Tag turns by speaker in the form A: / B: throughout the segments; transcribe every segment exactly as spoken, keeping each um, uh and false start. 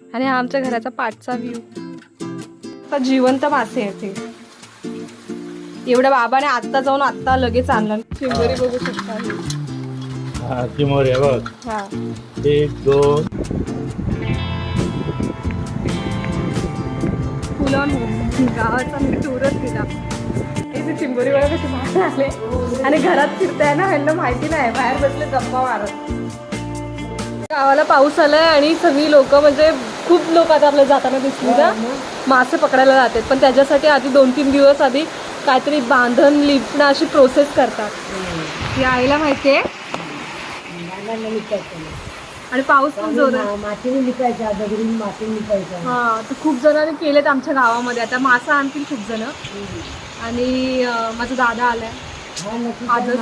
A: आणि हा आमच्या घराचा पाठचा व्ह्यू. जिवंत मासे आहेत ते. एवढ्या बाबाने आत्ता जाऊन आत्ता लगेच आणलं. चिंबोरी बघू शकता.
B: हा चिंबोरी आहे बघ.
A: हा
B: एक दोन
A: फुलं गावाचा मी टूरच दिला. इथे चिंबोरी वगैरे कसे मासे आले आणि घरात फिरताय ना, ह्यांना माहिती नाही, बाहेर बसले गप्पा मारत. गावाला पाऊस आलाय आणि सगळी लोक म्हणजे खूप लोक आता आपल्याला जाताना दिसली ना मासे पकडायला जातात. पण त्याच्यासाठी आधी दोन तीन दिवस आधी काहीतरी बांधण लिपणं अशी प्रोसेस करतात. ही आईला माहितीये. आणि पाऊस पण जोरात.
C: मातीने लिपायचा, दगडी मातीने लिपायचा.
A: हा तर खूप जणांनी केलेत आमच्या गावामध्ये. आता मासा आणतील खूप जण. आणि माझा दादा आलाय आजच.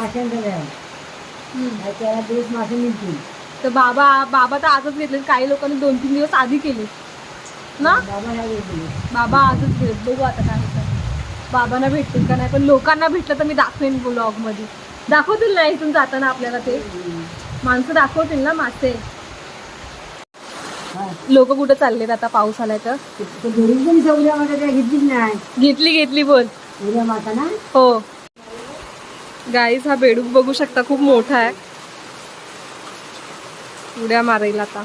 C: त्याला दिवस मासे मिळतील.
A: तर बाबा बाबा तर आजच घेतले. काही लोकांनी दोन तीन दिवस आधी केले ना.
C: बाबा ह्या गेले.
A: बाबा आजच घेत. बघू आता काय होतं, बाबांना भेटतील का नाही. पण लोकांना भेटलं तर मी दाखवेन ब्लॉग मध्ये. दाखवतील ना इथून जाताना आपल्याला. ते माणसं दाखवतील ना मासे. लोक कुठं चाललेत आता पाऊस आलाय तर.
C: घेतलीच नाही.
A: घेतली घेतली बोल.
C: उद्या माता ना.
A: हो गाईस, हा बेडूक बघू शकता खूप मोठा आहे. उड्या मारेल आता.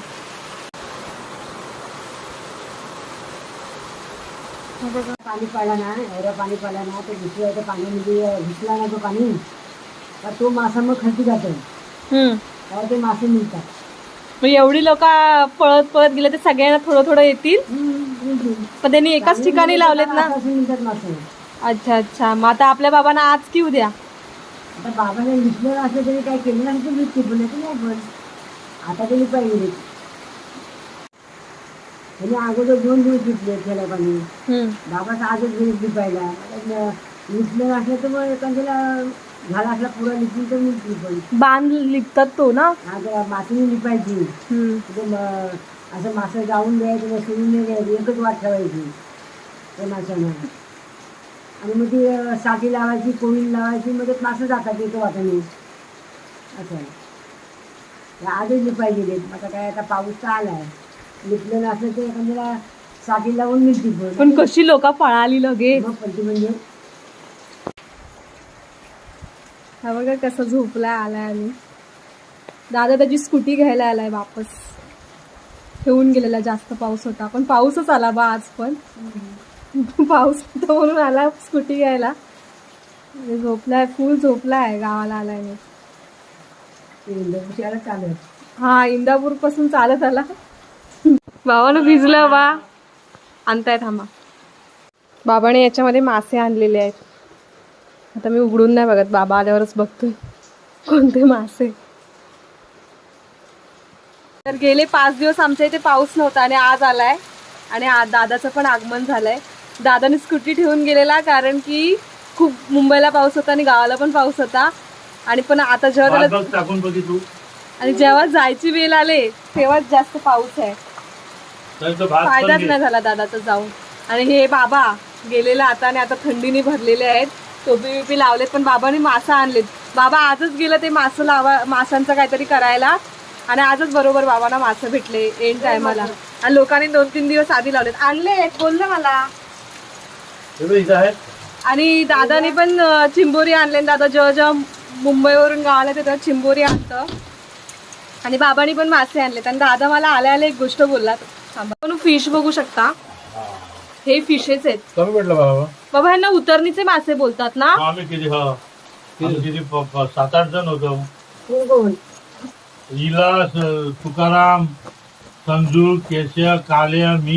C: पाणी पडला ना, एवढं पाणी पडला ना, तर दुसऱ्या त्या पाण्यामध्ये घुसला ना तो पाणी, तर तो मासा मग खाली जातो.
A: हम्म
C: तेव्हा ते मासे मिळतात.
A: मग एवढी लोक पळत पळत गेले तर सगळ्यांना थोडं थोडं येतील. पण त्यांनी एकाच ठिकाणी लावलेत ना.
C: मिळतात मासे.
A: अच्छा अच्छा. मग आता आपल्या बाबांना आज की उद्या.
C: आता बाबाने लिपलेलं असलं तरी काय केलं नाही, तर लिपते पण नाही. पण आता ते लिपाय गेले. त्यांनी अगोदर दोन दिवस लिपले त्याला पाणी. बाबाचा आजच दिवस लिपायला. लिपलेलं असलं तर मग एखाद्याला झाला असला पुरा लिपून तर लिपली. पण
A: बांध लिपतात तो ना.
C: आता मातीने लिपायची. असं मासं जाऊन द्यायचं, सोडून नाही द्यायचं, एकच वाट ठेवायची त्या माशांना. आणि मग ती साठी लावायची, कोळी लावायची, मग ते मासं जातात येतो वाटाने. असं आहे. आजच लिपाय गेले. आता काय, आता पाऊस तर आलाय. लिपलेलं असलं तर एखाद्याला साठी लावून मिळते. पण
A: पण कशी लोक पळाली लगेच.
C: मग पण ती म्हणजे
A: हा बघा कसं झोपलाय आलाय. आणि दादा त्याची स्कूटी घ्यायला आलाय वापस. ठेवून गेलेला, जास्त पाऊस होता. पण पाऊसच आला बा आज पण. पाऊस होता म्हणून आला स्कूटी घ्यायला. झोपलाय, फुल झोपलाय. गावाला आलाय मी.
C: इंद्रपुष्याला चालत.
A: हा इंदापूर पासून चालत आला. बाबानं भिजलं बा. आणताय थांबा. बाबाने याच्यामध्ये मासे आणलेले आहेत. आता मी उघडून नाही बघत, बाबा आल्यावरच बघतोय कोणते मासे. तर गेले पाच दिवस आमच्या इथे पाऊस नव्हता आणि आज आलाय. आणि आज दादाचं पण आगमन झालंय. दादाने स्कूटी ठेवून गेलेला कारण की खूप मुंबईला पाऊस होता आणि गावाला पण पाऊस होता. आणि पण आता जेव्हा त्याला
B: टाकून बघितलं
A: आणि जेव्हा जायची वेळ आले तेव्हाच जास्त पाऊस आहे. फायदाच नाही झाला दादाचा जाऊन. आणि हे बाबा गेलेला आता आणि आता थंडीने भरलेले आहेत. टोपी बिपी लावलेत. पण बाबांनी मासा आणलेत. बाबा आजच गेलं ते मासं लावा, माशांचं काहीतरी करायला. आणि आजच बरोबर बाबांना मासे भेटले एंड टायमाला. आणि लोकांनी दोन तीन दिवस आधी लावलेत. आणले बोललं मला. आणि दादाने पण चिंबोरी आणले. दादा जेव्हा जेव्हा मुंबईवरून गावाला येते तेव्हा चिंबोरी आणतं. आणि बाबांनी पण मासे आणलेत. आणि दादा मला आल्या आल्या एक गोष्ट बोलला. थांबा, फिश बघू शकता. हे फिशेस आहेत.
B: कमी भेटलं बाबा.
A: बाबा ह्यांना उतरणीचे मासे बोलतात ना.
B: आम्ही किती हा किती सात आठ जण होतो.
C: कोण कोण?
B: इला, तुकाराम, संजू, केशव, काल्या, मी.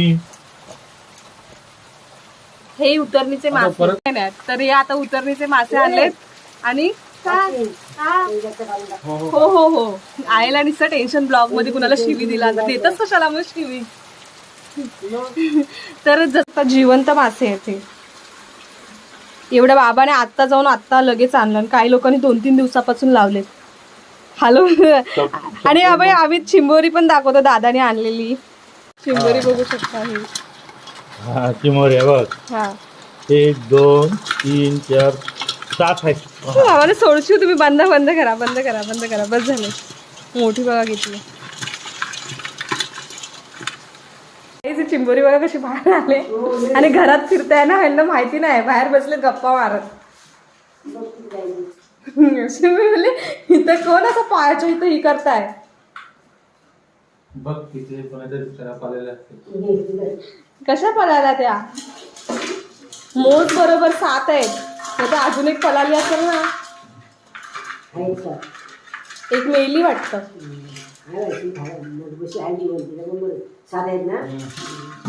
A: हे उतरणीचे मासे नाही. तर हे आता उतरणीचे मासे आणलेत. आणि हो हो हो आईला नुसतं टेन्शन. ब्लॉग मध्ये कुणाला शिवी दिला देतच कशाला मग शिवी. तर जसं जिवंत मासे आहेत हे. एवढ्या बाबाने आत्ता जाऊन आत्ता लगेच आणलं. काही लोकांनी दोन तीन दिवसापासून लावलेत. हॅलो. आणि अभय आम्ही चिंबोरी पण दाखवतो. दादाने आणलेली चिंबोरी बघू शकता. ही
B: हा चिंबोरी आहे बघ.
A: हा
B: एक दोन तीन चार सात आहे.
A: आम्हाला सोडशी. तुम्ही बंद बंद करा बंद करा बंद करा. बस झाले. मोठी बघा घेतली. हे चिंबोरी बघा कशी बाहेर आले आणि घरात फिरताय ना ह्यांना माहिती नाही बाहेर बसले गप्पा मारत. अशी मी म्हणले इथं कोण असं पायाच्या इथं ही करताय.
B: बघ किती कोणाच्या खराब आलेले असते.
A: कशा पळाल्या त्या मोज बरोबर सात आहेत तर अजून एक पळाली असेल ना. एक मेली वाटतं.
C: सात आहेत ना.